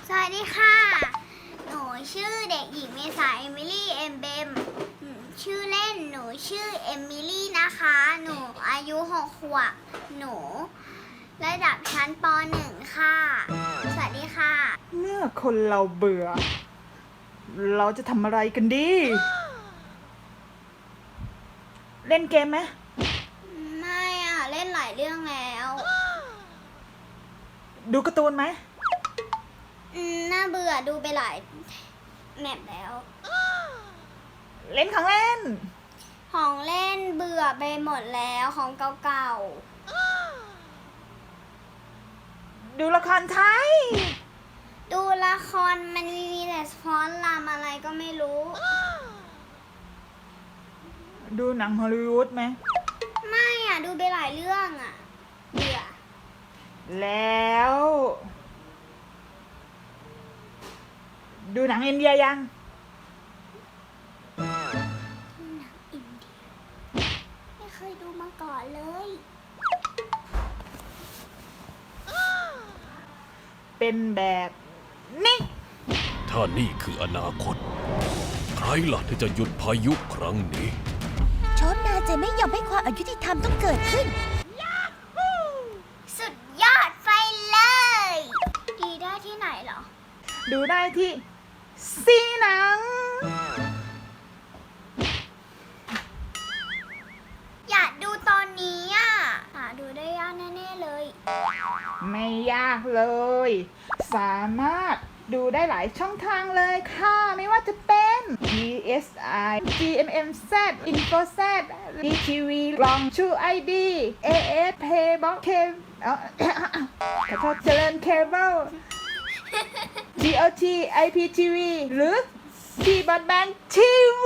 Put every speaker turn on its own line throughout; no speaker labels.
สวัสดีค่ะ หนูชื่อเด็กหญิงเมษาเอมิลี่เอมเบมชื่อเล่นหนูชื่อเอมิลี่นะคะ หนูอายุ6 ขวบ หนูระดับชั้นป .1 ค่ะ สวัสดีค่ะ
เมื่อคนเราเบื่อ เราจะทำอะไรกันดี เล่นเกมไหม
ไม่อ่ะ เล่นหลายเรื่องแล้ว
ดูการ์ตูนไหม
น่าเบื่อดูไปหลายแมปแล้ว
เล่นของเล่น
ของเล่นเบื่อไปหมดแล้วของเก่า
ดูละครไทย
ๆ ดูละครมันมีแต่ฟ้อนรำอะไรก็ไม่รู้
ดูหนังฮอลลีวูดไหม
ไม่อ่ะ ดูไปหลายเรื่องอ่ะ เบื่อ
แล้ว ดูหนังอินเดียยัง
อินเดียไม่เคยดูมาก่อนเลย
เป็นแบบนี้
ถ้านี่คืออนาคต ใครล่ะที่จะหยุดพายุครั้งนี้
โชมนาจะไม่ยอมให้ความอายุติธรรมต้องเกิดขึ้น
สุดยอดไปเลย ดีได้ที่ไหนเหรอ
ดูได้ที่ซีหนัง
อยากดูตอนนี้อ่ะหาดูได้ยากแน่ๆเลย
ไม่ยากเลย สามารถดูได้หลายช่องทางเลยค่ะ ไม่ว่าจะเป็น DSi GMMZ InfoZ DTV กล่องชู ID AS Paybox ขอโทษเจริญเคเบิล GOT IPTV หรือ T Broadband TV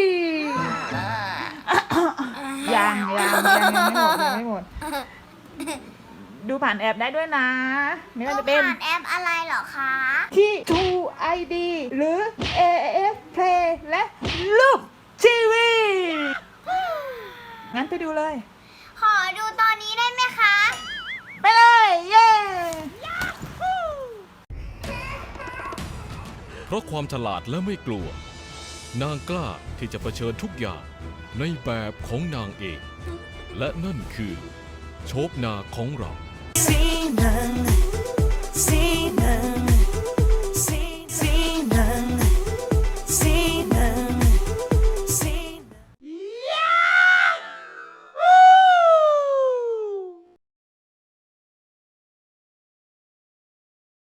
ยังไม่หมด ดูผ่านแอปได้ด้วยนะ ไม่ว่าจะเป็น
ผ่านแอปอะไรเหรอคะ
ที่ True ID หรือ AF Play และลูกทีวี งั้นไปดูเลย
ขอดูตอนนี้ได้ไหมคะ
ไปเลย เย้
เพราะความฉลาดและไม่กลัว นางกล้าที่จะเผชิญทุกอย่างในแบบของนางเอง และนั่นคือโชคนาของเรา
สีหนัง